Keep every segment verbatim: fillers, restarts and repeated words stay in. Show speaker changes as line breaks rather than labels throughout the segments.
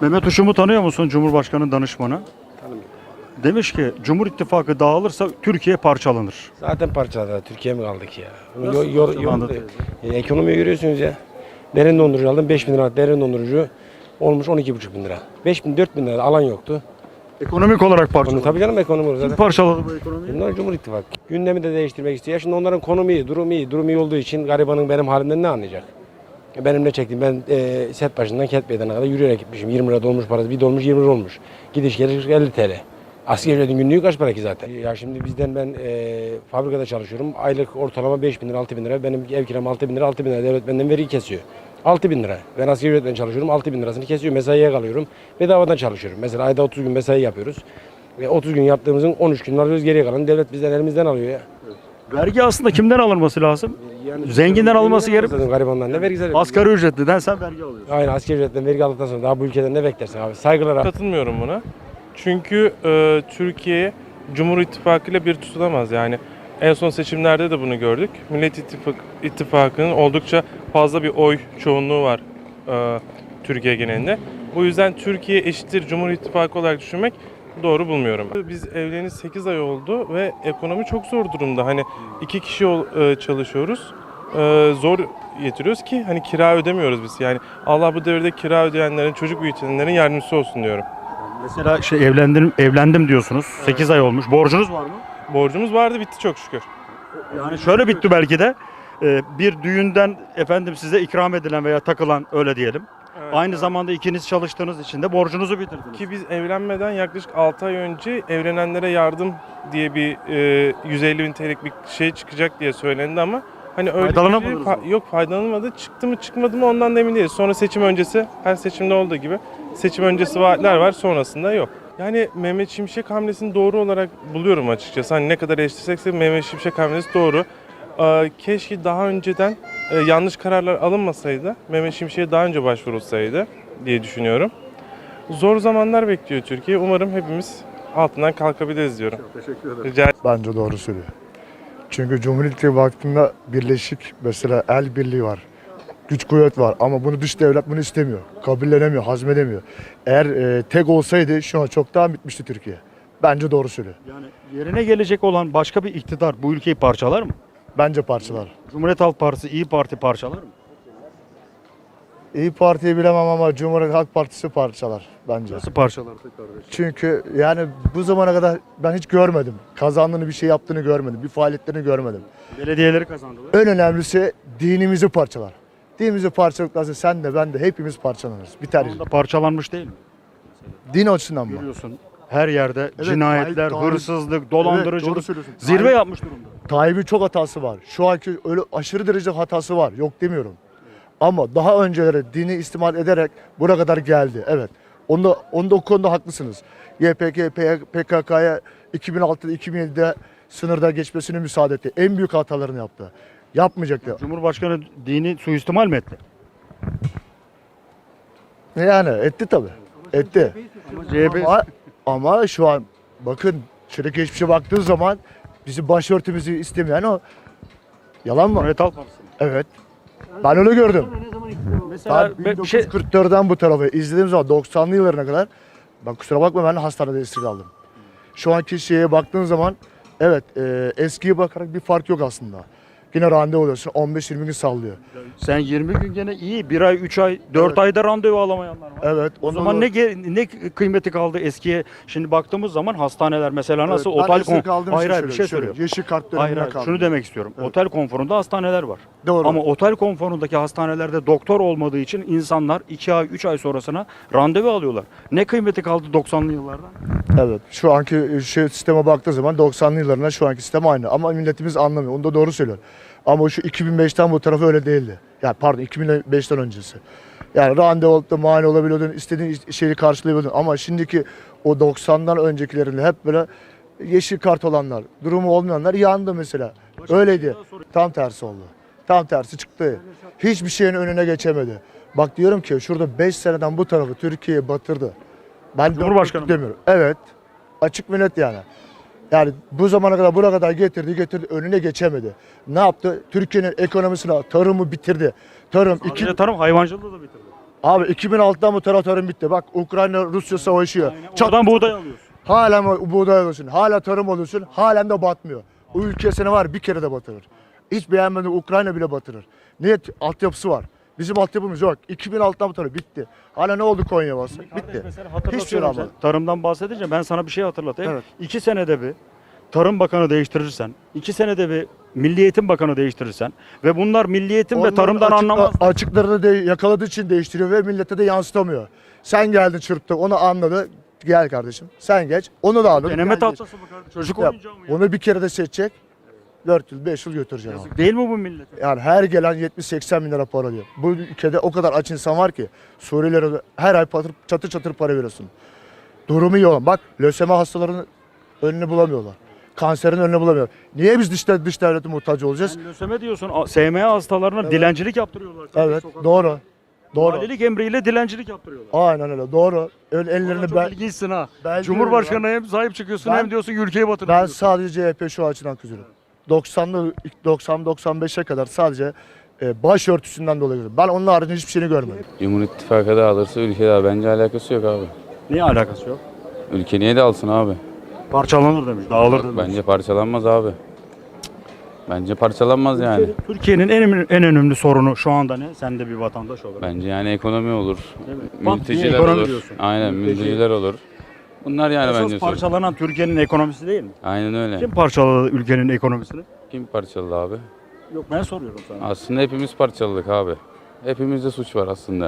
Mehmet Uşum'u tanıyor musun? Cumhurbaşkanı danışmanı.
Tanımıyorum.
Demiş ki Cumhur İttifakı dağılırsa Türkiye parçalanır.
Zaten parçaladı. Türkiye mi kaldık ya?
Nasıl
Yo- yo-
parçalandı
yo- e, ekonomiyi görüyorsunuz ya. Derin dondurucu aldım beş bin lira. Derin dondurucu olmuş on iki buçuk bin lira. beş bin dört bin lira alan yoktu.
Ekonomik olarak
Onu,
parçalanır.
tabii canım ekonomi
Kim
zaten.
parçaladı bu ekonomiyi?
Bunlar Cumhur İttifakı. Gündemi de değiştirmek istiyor. Şimdi onların konumu iyi, durumu iyi. Durumu iyi olduğu için garibanın benim halimden ne anlayacak? Benim ne çektiğim, ben e, set başından Ket Meydanı'na kadar yürüyerek gitmişim. yirmi lira dolmuş parası, bir dolmuş yirmi lira olmuş. Gidiş geliş elli T L. Asgari ücretin günlüğü kaç para ki zaten? Ya şimdi bizden ben e, fabrikada çalışıyorum. Aylık ortalama beş bin lira, altı bin lira. Benim ev kiram altı bin lira, altı bin lira. Devlet benden vergi kesiyor. altı bin lira. Ben asgari ücretle çalışıyorum, altı bin lirasını kesiyor. Mesaiye kalıyorum. Bedavadan çalışıyorum. Mesela ayda otuz gün mesai yapıyoruz. Ve otuz gün yaptığımızın on üç gün alıyoruz, geriye kalan devlet bizden elimizden alıyor ya.
Vergi aslında kimden alınması lazım?
Yani
Zenginden alması gerek.
Zaten garibandan ne vergi zaten.
Asgari ücretliden sen vergi alıyorsun.
Aynen asgari ücretten vergi aldıktan sonra daha bu ülkeden ne beklersin abi? Saygılar abi.
Katılmıyorum buna. Çünkü e, Türkiye Cumhur İttifakı ile bir tutulamaz yani. En son seçimlerde de bunu gördük. Millet İttifak, İttifakı'nın oldukça fazla bir oy çoğunluğu var e, Türkiye genelinde. Bu yüzden Türkiye eşittir Cumhur İttifakı olarak düşünmek doğru bulmuyorum. Biz evleneli sekiz ay oldu ve ekonomi çok zor durumda. Hani iki kişi ol- e, çalışıyoruz. E, zor getiriyoruz ki hani kira ödemiyoruz biz. Yani Allah bu devirde kira ödeyenlerin, çocuk büyütenlerin yardımcısı olsun diyorum.
Mesela şey evlendim evlendim diyorsunuz. sekiz ay olmuş. Borcunuz var mı?
Borcumuz vardı, bitti çok şükür.
Yani şöyle bitti belki de. e, Bir düğünden efendim size ikram edilen veya takılan öyle diyelim.
Evet,
Aynı
evet.
zamanda ikiniz çalıştığınız için de borcunuzu bitirdiniz.
Ki biz evlenmeden yaklaşık altı ay önce evlenenlere yardım diye bir e, yüz elli bin T L'lik bir şey çıkacak diye söylendi ama hani öyle bir şey
Faydalanamadınız
fa-
mı?
yok faydalanmadı. Çıktı mı çıkmadı mı ondan da emin değiliz. Sonra seçim öncesi, her seçimde olduğu gibi seçim öncesi vaatler var, sonrasında yok. Yani Mehmet Şimşek hamlesini doğru olarak buluyorum açıkçası. Hani ne kadar eleştirsek de Mehmet Şimşek hamlesi doğru. Ee, keşke daha önceden e, yanlış kararlar alınmasaydı, Mehmet Şimşek'e daha önce başvurulsaydı diye düşünüyorum. Zor zamanlar bekliyor Türkiye. Umarım hepimiz altından kalkabiliriz diyorum.
Teşekkür ederim.
Rica
Bence doğru söylüyor. Çünkü Cumhuriyet vaktinde birleşik mesela el birliği var. Güç kuvvet var ama bunu dış devlet bunu istemiyor. Kabullenemiyor, hazmedemiyor. Eğer e, tek olsaydı şu an çoktan bitmişti Türkiye. Bence doğru söylüyor.
Yani yerine gelecek olan başka bir iktidar bu ülkeyi parçalar mı?
Bence parçalar.
Cumhuriyet Halk Partisi, İyi Parti parçalar mı?
İyi Parti'yi bilemem ama Cumhuriyet Halk Partisi parçalar bence.
Nasıl parçalar kardeşim?
Çünkü yani bu zamana kadar ben hiç görmedim. Kazandığını bir şey yaptığını görmedim. Bir faaliyetlerini görmedim.
Belediyeleri kazandılar.
En önemlisi dinimizi parçalar. Dinimizi parçaladıktan sonra sen de ben de hepimiz parçalanırız. Biter.
Şu anda parçalanmış değil mi?
Din açısından mı?
Görüyorsun her yerde
Evet,
cinayetler,
Tayyip-
hırsızlık,
Evet,
dolandırıcılık
doğru söylüyorsun.
zirve
Tayyip-
yapmış durumda.
Tayyip'in çok hatası var. Şu anki öyle aşırı derece hatası var. Yok demiyorum. Ama daha önceleri dini istimal ederek buraya kadar geldi. Evet. Onda, onda o konuda haklısınız. Y P G, P K K'ya iki bin altıda iki bin yedide sınırda geçmesini müsaade etti. En büyük hatalarını yaptı. Yapmayacaktı.
Cumhurbaşkanı dini suistimal mi etti?
Yani etti tabii. Etti.
Ama C H P
Ama, ama şu an bakın şöyle geçmişe baktığın zaman bizim başörtümüzü istemeyen o. Yalan mı?
Cumhuriyet Halk Partisi.
Evet. Ben öyle gördüm.
Mesela
Ben
ben bir şey
bin dokuz yüz kırk dörtten bu tarafa izlediğim zaman doksanlı yıllarına kadar bak kusura bakma ben hastanede esir aldım. Şu anki şeye baktığın zaman evet e, eskiye bakarak bir fark yok aslında. Yine randevu oluyorsun on beş yirmi gün sallıyor.
sen yirmi gün gene iyi. bir ay, üç ay, dört
Evet.
ayda randevu alamayanlar var.
Evet.
O
ondan
zaman
da-
ne ge- ne kıymeti kaldı eskiye? Şimdi baktığımız zaman hastaneler mesela nasıl
Evet, ben
otel
esir
kon
kaldığım
hayır
için
hayır bir şey
söylüyorum.
söylüyorum.
Yeşil kart
Hayır,
dönemine
hayır,
kaldım.
şunu demek istiyorum.
Evet.
Otel konforunda hastaneler var.
Doğru.
Ama otel konforundaki hastanelerde doktor olmadığı için insanlar iki ay, üç ay sonrasına randevu alıyorlar. Ne kıymeti kaldı doksanlı yıllardan?
Evet. Şu anki şey, sisteme baktığı zaman doksanlı yıllarına şu anki sistem aynı. Ama milletimiz anlamıyor. Onu da doğru söylüyor. Ama şu iki bin beşten bu tarafı öyle değildi. Yani pardon iki bin beşten öncesi. Yani randevu olup da mani olabiliyordun, istediğin şeyi karşılayabiliyordun. Ama şimdiki o doksandan öncekilerinde hep böyle yeşil kart olanlar, durumu olmayanlar yandı mesela. Öyleydi. Tam tersi oldu. Tam tersi çıktı. Hiçbir şeyin önüne geçemedi. Bak diyorum ki şurada beş seneden bu tarafı Türkiye'yi batırdı. Ben
Cumhurbaşkanı mı?
demiyorum. Evet. Açık ve net yani. Yani bu zamana kadar buraya kadar getirdi getirdi önüne geçemedi. Ne yaptı? Türkiye'nin ekonomisini, tarımı bitirdi. Tarım iki,
Sadece tarım hayvancılığı da bitirdi.
Abi iki bin altıdan bu taraf tarım bitti. Bak Ukrayna Rusya savaşıyor. Çat-
Oradan buğday alıyorsun.
Halen o- buğday alıyorsun. Hala tarım alıyorsun. Halen de batmıyor. O ülkesine var bir kere de batırır. Hiç beğenmedim Ukrayna bile batırır. Niye? Altyapısı var. Bizim altyapımız yok. iki bin altıdan bu taraf bitti. Hala ne oldu Konya bası? Bitti.
Mesela
Hiçbir şey
hatırlatıyorum
olmadı.
sen. Tarımdan bahsedince ben sana bir şey hatırlatayım.
Evet.
İki senede bir Tarım Bakanı değiştirirsen, iki senede bir Milli Eğitim Bakanı değiştirirsen ve bunlar Milli Eğitim ve
Onların
tarımdan
açık-
anlamaz.
Açıklarını de yakaladığı için değiştiriyor ve millete de yansıtamıyor. Sen geldin çırptın onu anladı. Gel kardeşim sen geç. Onu da anladı.
Deneme
Gel geç.
tahtası mı kardeşim? Çocuk
Ya,
oyuncağı mı ya?
onu bir kere de seçecek. dört yıl beş yıl götürecek.
Yazık değil mi bu millete?
Yani her gelen yetmiş seksen bin lira para alıyor. Bu ülkede o kadar aç insan var ki Suriyelilere de her ay patır, çatır çatır para veriyorsun. Durumu iyi olan. Bak lösemi hastalarının önünü bulamıyorlar. Kanserin önünü bulamıyorlar. Niye biz dış, dış devlete muhtaç olacağız?
Sen löseme diyorsun. A- S M A hastalarına
Evet.
dilencilik yaptırıyorlar.
Evet
Sokakta.
doğru. Doğru.
Valilik emriyle dilencilik yaptırıyorlar.
Aynen öyle doğru. Öyle
Vallahi
ellerini
çok
ben,
ilginçsin ha.
ben
Cumhurbaşkanına hem sahip çıkıyorsun
Ben-
hem diyorsun ki ülkeyi
ben
batırıyorsun.
sadece C H P şu açıdan kızıyorum. doksanlı doksan doksan beşe kadar sadece e, başörtüsünden dolayı kızıyorum. Ben onun haricinde hiçbir şeyini görmedim.
Cumhur İttifakı da alırsa ülke daha bence alakası yok abi.
Niye alakası yok?
Ülke niye de alsın abi?
Parçalanır demiş, dağılır demiş.
Bence parçalanmaz abi. Cık. Bence parçalanmaz yani.
Türkiye'nin en, önemli- en önemli sorunu şu anda ne? Sen de bir vatandaş olarak.
Bence yani ekonomi olur.
Değil mi? Bak,
Mülteciler
ekonomi
olur.
diyorsun.
Aynen
Mülteci.
mülteciler olur. Bunlar yani
Esas
bence sorun.
parçalanan Türkiye'nin ekonomisi değil mi?
Aynen öyle.
Kim
Kim,
parçaladı ülkenin ekonomisini?
parçaladı abi?
Yok ben soruyorum sana.
Aslında hepimiz parçaladık abi. Hepimizde suç var aslında.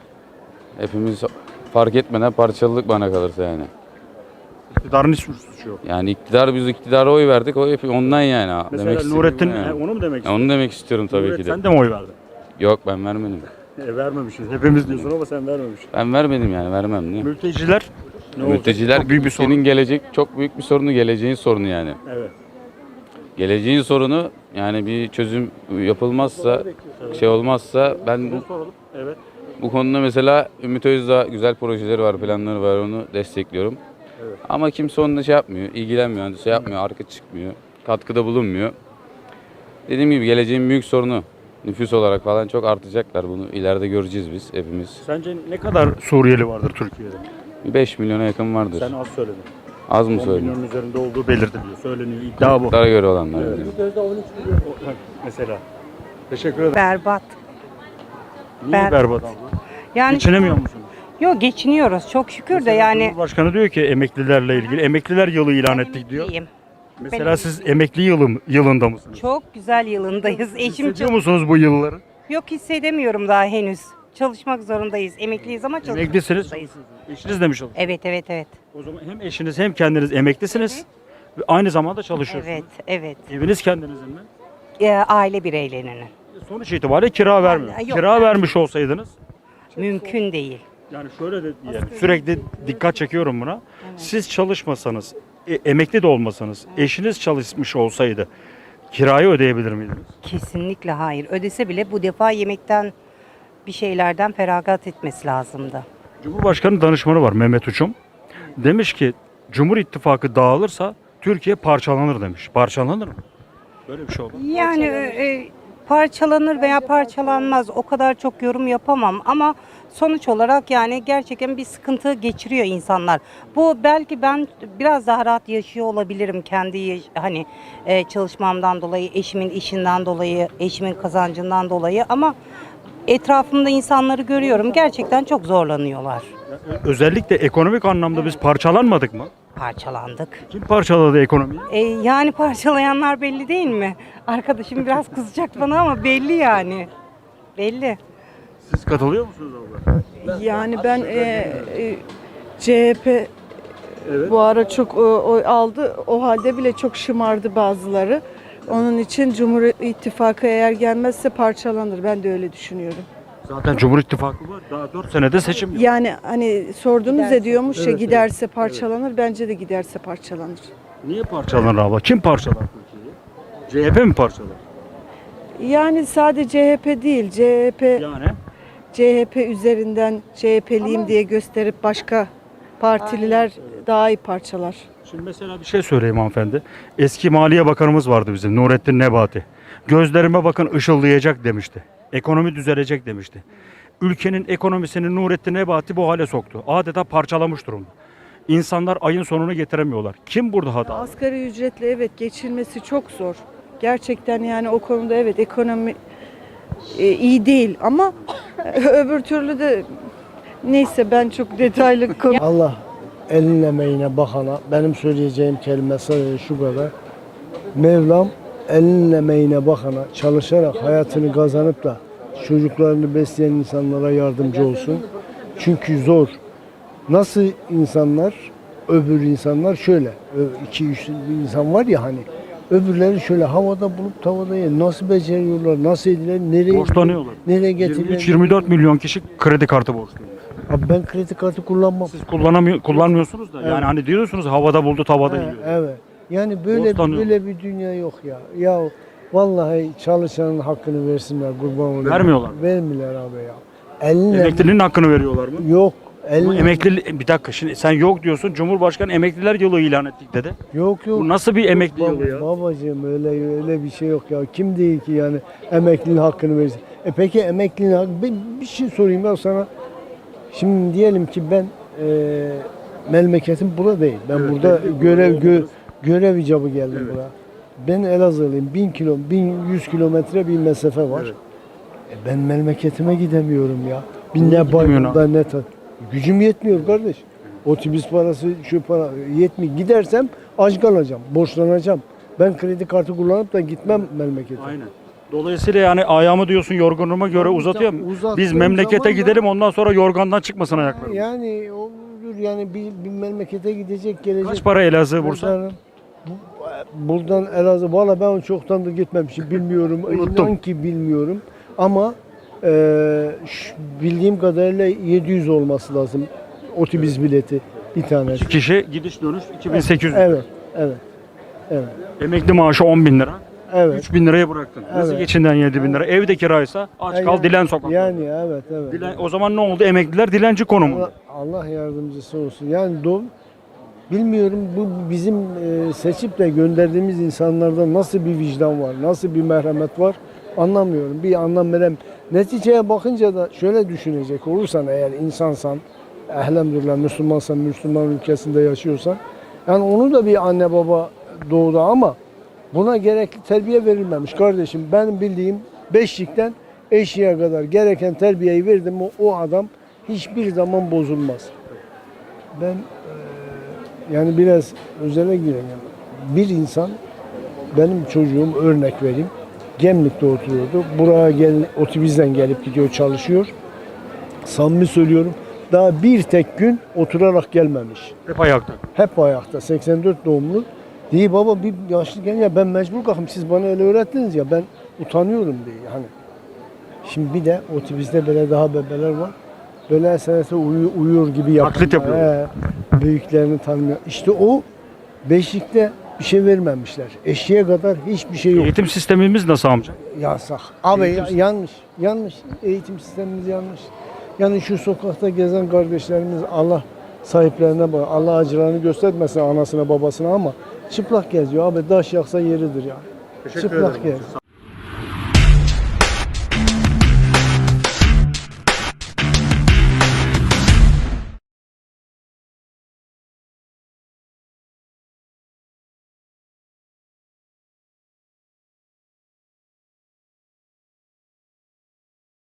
Hepimiz fark etmeden parçaladık bana kalırsa yani.
İktidarın hiçbir suçu yok.
Yani iktidar biz iktidara oy verdik. O hep ondan yani. Demek
Mesela
istediğim
Nurettin,
bu yani.
he, onu mu demek
Ya onu demek istiyorum tabii
Nuret,
ki de.
Sen de mi oy verdin?
Yok ben vermedim.
E, vermemişiz. Hepimiz diyorsun ama sen vermemişsin.
Ben vermedim yani vermem niye?
Mülteciler ne olacak?
Mülteciler
Çok büyük bir sorun.
ülkenin gelecek çok büyük bir sorunu, geleceğin sorunu yani.
Evet.
Geleceğin sorunu yani bir çözüm yapılmazsa, şey olmazsa ben bu,
Soralım. Evet.
bu konuda mesela Ümit Özdağ güzel projeleri var, planları var, onu destekliyorum.
Evet.
Ama kimse onunla şey yapmıyor, ilgilenmiyor, hani şey yapmıyor, arka çıkmıyor, katkıda bulunmuyor. Dediğim gibi geleceğin büyük sorunu. Nüfus olarak falan çok artacaklar, bunu ileride göreceğiz biz hepimiz.
Sence ne kadar Suriyeli vardır Türkiye'de?
beş milyona yakın vardır.
Sen az söyledin.
Az mı
on
söyledim?
milyonun üzerinde olduğu belirtiliyor. Söyleniyor. İddia bu.
Daha göre olanlar.
Evet.
yani.
Mesela. Teşekkür ederim.
Berbat.
Niye
ben-
berbat abla?
Yani
Geçinemiyor musunuz?
yok geçiniyoruz çok şükür de
Mesela
yani.
Cumhurbaşkanı diyor ki emeklilerle ilgili emekliler yılı ilan ettik diyor.
Emekliyim.
Mesela
Benim-
siz emekli yılı, yılında mısınız?
Çok güzel yılındayız. Eşim
Hissediyor
çok
musunuz bu yılları?
yok hissedemiyorum daha henüz. Çalışmak zorundayız. Emekliyiz ama çalışmak
Emeklisiniz.
zorundayız.
Eşiniz demiş olur.
Evet evet evet.
O zaman hem eşiniz hem kendiniz emeklisiniz ve aynı zamanda çalışıyorsunuz.
Evet evet.
Eviniz kendinizin mi?
Ee, aile bireylerinin.
Sonuç itibariyle kira vermiyor.
yok.
Kira vermiş olsaydınız
Mümkün değil.
yani şöyle de diyelim, sürekli dikkat çekiyorum buna. Siz çalışmasanız, e, emekli de olmasanız, eşiniz çalışmış olsaydı kirayı ödeyebilir miydiniz?
Kesinlikle hayır. Ödese bile bu defa yemekten bir şeylerden feragat etmesi lazımdı.
Cumhurbaşkanı danışmanı var Mehmet Uçum. Demiş ki Cumhur İttifakı dağılırsa Türkiye parçalanır demiş. Parçalanır mı? Böyle bir şey olur.
Yani e, parçalanır veya parçalanmaz o kadar çok yorum yapamam ama sonuç olarak yani gerçekten bir sıkıntı geçiriyor insanlar. Bu belki ben biraz daha rahat yaşıyor olabilirim kendi yaş- hani e, çalışmamdan dolayı, eşimin işinden dolayı, eşimin kazancından dolayı ama etrafımda insanları görüyorum gerçekten çok zorlanıyorlar.
Özellikle ekonomik anlamda biz parçalanmadık mı?
Parçalandık.
Kim parçaladı ekonomiyi?
E, yani parçalayanlar belli değil mi? Arkadaşım biraz kızacak bana ama belli yani. Belli.
Siz katılıyor musunuz abla?
Yani ben e, e, C H P
Evet.
bu ara çok e, oy aldı. O halde bile çok şımardı bazıları. Onun için Cumhur İttifakı eğer gelmezse parçalanır. Ben de öyle düşünüyorum.
Zaten Cumhur İttifakı var. Daha dört senede seçim yok.
Yani hani sordunuz ya diyormuş ya
Evet,
giderse parçalanır. Bence de giderse parçalanır.
Niye parçalanır abla? Kim parçalar Türkiye'yi? C H P mi parçalar?
Yani sadece C H P değil. C H P
Yani
C H P üzerinden C H P'liyim diye gösterip başka partililer daha iyi parçalar.
şimdi mesela bir şey söyleyeyim hanımefendi. Eski Maliye Bakanımız vardı bizim Nurettin Nebati. Gözlerime bakın ışıldayacak demişti. Ekonomi düzelecek demişti. ülkenin ekonomisini Nurettin Nebati bu hale soktu. Adeta parçalamış durumda. İnsanlar ayın sonunu getiremiyorlar. Kim burada hata?
Asgari ücretle evet geçilmesi çok zor. Gerçekten yani o konuda evet ekonomi e, iyi değil ama öbür türlü de neyse ben çok detaylı konu.
Allah elin emeğine bakana benim söyleyeceğim kelime sadece şu kadar. Mevlam elin emeğine bakana çalışarak hayatını kazanıp da çocuklarını besleyen insanlara yardımcı olsun. Çünkü zor. Nasıl insanlar, öbür insanlar şöyle, iki üç insan var ya hani, öbürleri şöyle havada bulup tavada yer. Nasıl beceriyorlar, nasıl ediler, nereye
Borçlanıyorlar.
nereye
yirmi üç
getiriyorlar?
yirmi dört milyon kişi kredi kartı borçluymuş.
Abi ben kredi kartı kullanmam.
Siz kullanamıyor, kullanmıyorsunuz da.
Evet.
Yani hani diyorsunuz havada buldu tavada
He,
yiyor.
evet. Yani böyle
Borçlanıyor.
böyle bir dünya yok ya. Ya vallahi çalışanın hakkını versinler kurban olayım.
Vermiyorlar mı?
Vermiyorlar abi ya. Eline
Emeklinin hakkını veriyorlar mı?
yok.
Ama
Eline
emekli bir dakika şimdi sen yok diyorsun. Cumhurbaşkanı emekliler yılı ilan ettik dedi.
yok yok.
Bu nasıl bir emekli
Bab-
yılı ya?
Babacığım öyle öyle bir şey yok ya. Kim değil ki yani emeklinin hakkını versin. E peki emeklinin hakkı bir, bir şey sorayım ya sana. Şimdi diyelim ki ben e, memleketim burada değil. Ben
Evet,
burada
belki
görev
burada
gö,
oluruz.
görev icabı geldim
Evet.
buraya. Ben Elazığlıyım. bin kilo, bin yüz kilometre bir mesafe var.
Evet.
E ben memleketime gidemiyorum ya. Bir
Niye
ne
gidemiyorsun
bayramda ne ta. Gücüm yetmiyor kardeş. Otobüs parası, şu para yetmiyor. Gidersem aç kalacağım, borçlanacağım. Ben kredi kartı kullanıp da gitmem memlekete.
Aynen. Dolayısıyla yani ayağımı diyorsun yorgunluğuma göre
Tabii,
uzatıyorum.
tabii, uzattığım
Biz memlekete
zaman da-
gidelim ondan sonra yorgandan çıkmasın ayaklarım.
Yani olur yani bir, bir memlekete gidecek gelecek.
Kaç para Elazığ Bursa?
Buradan, bu- buradan Elazığ valla ben çoktandır gitmemişim bilmiyorum.
Unuttum.
İnan ki bilmiyorum. Ama e, şu- bildiğim kadarıyla yedi yüz olması lazım otobüs bileti bir tanesi.
İki kişi gidiş dönüş iki bin sekiz yüz.
Evet, evet, evet,
Emekli maaşı on bin lira.
evet.
üç bin liraya bıraktın. Nasıl
Evet.
geçinden yedi bin lira? Evde kiraysa aç kal
Yani-
dilen sokakta.
Yani evet, evet.
Dilen- o zaman ne oldu? Emekliler dilenci konumunda.
Allah, Allah yardımcısı olsun. Yani do, bilmiyorum bu bizim e, seçip de gönderdiğimiz insanlarda nasıl bir vicdan var, nasıl bir merhamet var anlamıyorum. Bir anlam verem. Neticeye bakınca da şöyle düşünecek olursan eğer insansan, elhamdülillah Müslümansan, Müslüman ülkesinde yaşıyorsan, yani onu da bir anne baba doğdu ama buna gerekli terbiye verilmemiş kardeşim. Benim bildiğim beşlikten eşiğe kadar gereken terbiyeyi verdim o, o adam hiçbir zaman bozulmaz. Ben eee, yani biraz özele gireyim. Bir insan, benim çocuğum örnek vereyim. Gemlik'te oturuyordu. Buraya gel, otobüsten gelip gidiyor çalışıyor. Samimi söylüyorum. Daha bir tek gün oturarak gelmemiş.
Hep ayakta.
Hep ayakta. seksen dört doğumlu. Diye baba bir yaşlı gel ya ben mecbur kalkayım siz bana öyle öğrettiniz ya ben utanıyorum diye hani. Şimdi bir de otobüste böyle daha bebeler var. Böyle esenete uyu, uyuyor gibi yapıyor.
Taklit yapıyor.
He, büyüklerini tanımıyor. İşte o beşikte bir şey vermemişler. Eşeğe kadar hiçbir şey yok.
Eğitim sistemimiz nasıl amca?
Yasak. Abi
Eğitim
ya- yanlış. Yanlış. Eğitim sistemimiz yanlış. Yani şu sokakta gezen kardeşlerimiz Allah sahiplerine bak. Allah acılarını göstermesin anasına babasına ama çıplak geziyor. Abi taş yaksa yeridir ya. Çıplak geziyor.